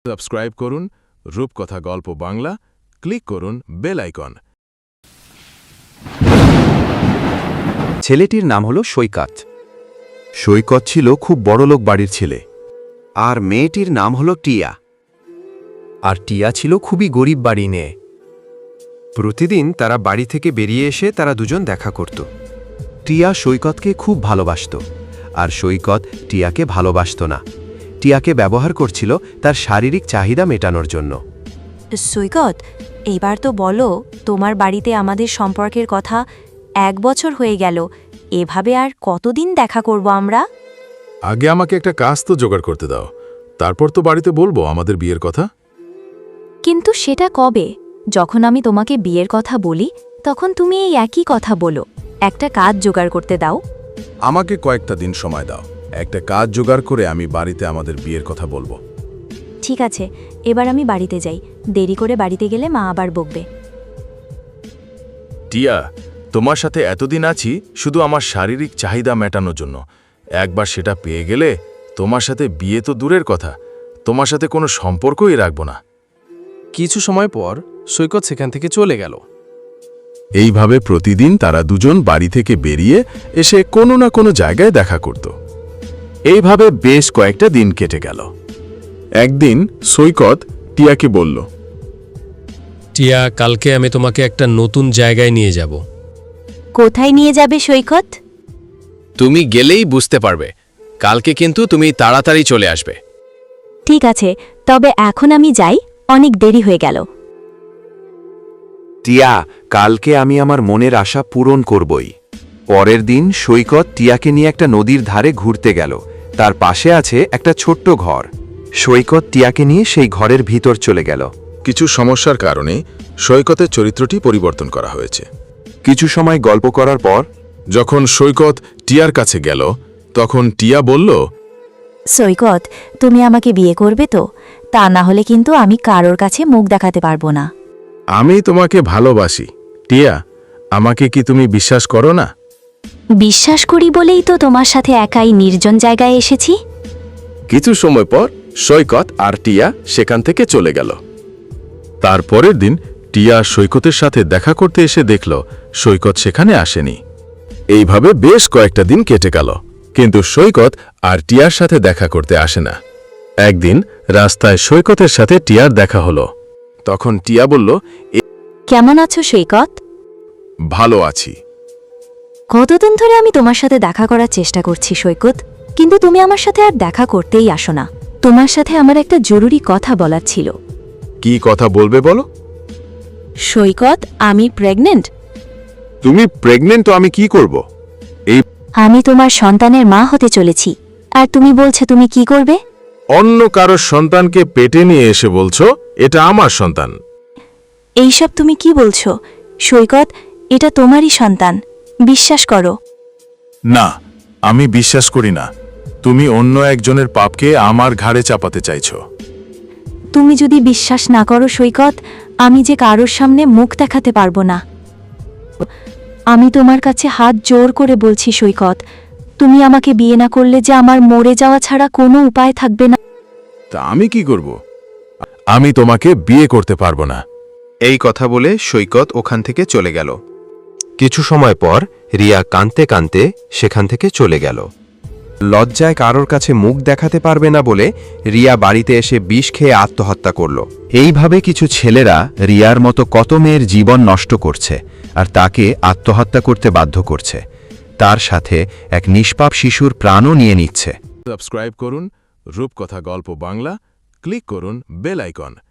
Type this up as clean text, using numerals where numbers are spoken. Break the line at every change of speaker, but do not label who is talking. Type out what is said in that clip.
Subscribe করুন রূপকথা গল্প বাংলা, ক্লিক করুন বেল আইকন।
ছেলেটির নাম হলো সৈকত।
সৈকত ছিল খুব বড়লোক বাড়ির ছেলে।
আর মেয়েটির নাম হলো টিয়া।
আর টিয়া ছিল খুবই গরিব বাড়ি নিয়ে। প্রতিদিন তারা বাড়ি থেকে বেরিয়ে এসে তারা দুজন দেখা করত।
টিয়া সৈকতকে খুব ভালোবাসত, আর সৈকত টিয়াকে ভালোবাসত না। টিয়াকে ব্যবহার করছিল তার শারীরিক চাহিদা মেটানোর জন্য।
সৈকত, এইবার তো বলো, তোমার বাড়িতে আমাদের সম্পর্কের কথা 1 বছর হয়ে গেল। এভাবে আর কতদিন দেখা করব আমরা?
আগে আমাকে একটা কাজ তো জোগাড় করতে দাও, তারপর তো বাড়িতে বলবো আমাদের বিয়ের কথা।
কিন্তু সেটা কবে? যখন আমি তোমাকে বিয়ের কথা বলি তখন তুমি এই একই কথা বলো। একটা কাজ জোগাড় করতে দাও।
আমাকে কয়েকটা দিন সময় দাও, একটা কাজ জোগাড় করে আমি বাড়িতে আমাদের বিয়ের কথা বলবো।
ঠিক আছে, এবার আমি বাড়িতে যাই। দেরি করে বাড়িতে গেলে মা আবার বকবে।
টিয়া, তোমার সাথে এতদিন আছি শুধু আমার শারীরিক চাহিদা মেটানোর জন্য। একবার সেটা পেয়ে গেলে তোমার সাথে বিয়ে তো দূরের কথা, তোমার সাথে কোনো সম্পর্কই রাখব না।
কিছু সময় পর সৈকত সেখান থেকে চলে গেল।
এইভাবে প্রতিদিন তারা দুজন বাড়ি থেকে বেরিয়ে এসে কোনো না কোনো জায়গায় দেখা করত। এইভাবে বেশ কয়েকটা দিন কেটে গেল। একদিন সৈকত টিয়াকে বলল,
টিয়া, কালকে আমি তোমাকে একটা নতুন জায়গায় নিয়ে যাব।
কোথায় নিয়ে যাবে সৈকত?
তুমি গেলেই বুঝতে পারবে। কালকে কিন্তু তুমি তাড়াতাড়ি চলে আসবে।
ঠিক আছে, তবে এখন আমি যাই, অনেক দেরি হয়ে গেল।
টিয়া, কালকে আমি আমার মনের আশা পূরণ করবই। পরের দিন সৈকত টিয়াকে নিয়ে একটা নদীর ধারে ঘুরতে গেল। তার পাশে আছে একটা ছোট্ট ঘর। সৈকত টিয়াকে নিয়ে সেই ঘরের ভিতর চলে গেল।
কিছু সমস্যার কারণে সৈকতের চরিত্রটি পরিবর্তন করা হয়েছে।
কিছু সময় গল্প করার পর
যখন সৈকত টিয়ার কাছে গেল তখন টিয়া বলল,
সৈকত, তুমি আমাকে বিয়ে করবে তো? তা না হলে কিন্তু আমি কারোর কাছে মুখ দেখাতে পারবো না।
আমি তোমাকে ভালোবাসি টিয়া, আমাকে কি তুমি বিশ্বাস করো না?
বিশ্বাস করি বলেই তো তোমার সাথে একাই নির্জন জায়গায় এসেছি।
কিছু সময় পর সৈকত আর টিয়া সেখান থেকে চলে গেল। তারপরের দিন টিয়া সৈকতের সাথে দেখা করতে এসে দেখল সৈকত সেখানে আসেনি। এইভাবে বেশ কয়েকটা দিন কেটে গেল, কিন্তু সৈকত আর টিয়ার সাথে দেখা করতে আসে না। একদিন রাস্তায় সৈকতের সাথে টিয়ার দেখা হলো। তখন টিয়া বলল,
কেমন আছো সৈকত?
ভালো আছি।
কতদিন ধরে আমি তোমার সাথে দেখা করার চেষ্টা করছি সৈকত, কিন্তু তুমি আমার সাথে আর দেখা করতেই আসো না। তোমার সাথে আমার একটা জরুরি কথা বলার ছিল।
কি কথা বলবে বলো?
সৈকত, আমি প্রেগনেন্ট।
তুমি প্রেগনেন্ট তো আমি কি করব?
আমি তোমার সন্তানের মা হতে চলেছি, আর তুমি বলছো তুমি কি করবে?
অন্য কারো সন্তানকে পেটে নিয়ে এসে বলছো এটা আমার সন্তান।
এইসব তুমি কি বলছো সৈকত? এটা তোমারই সন্তান, বিশ্বাস করো।
না, আমি বিশ্বাস করি না। তুমি অন্য একজনের পাপকে আমার ঘাড়ে চাপাতে চাইছো।
তুমি যদি বিশ্বাস না করো সৈকত, আমি যে কারোর সামনে মুখ দেখাতে পারবো না। আমি তোমার কাছে হাত জোর করে বলছি সৈকত, তুমি আমাকে বিয়ে না করলে যে আমার মরে যাওয়া ছাড়া কোনো উপায় থাকবে না।
তা আমি কি করব? আমি তোমাকে বিয়ে করতে পারবো না।
এই কথা বলে সৈকত ওখান থেকে চলে গেল। কিছু সময় পর রিয়া কাঁদতে কাঁদতে সেখান থেকে চলে গেল। লজ্জায় কারোর কাছে মুখ দেখাতে পারবে না বলে রিয়া বাড়িতে এসে বিষ খেয়ে আত্মহত্যা করল। এইভাবে কিছু ছেলেরা রিয়ার মতো কত মেয়ের জীবন নষ্ট করছে আর তাকে আত্মহত্যা করতে বাধ্য করছে। তার সাথে এক নিষ্পাপ শিশুর প্রাণও নিয়ে নিচ্ছে।
সাবস্ক্রাইব করুন রূপকথা গল্প বাংলা, ক্লিক করুন বেল আইকন।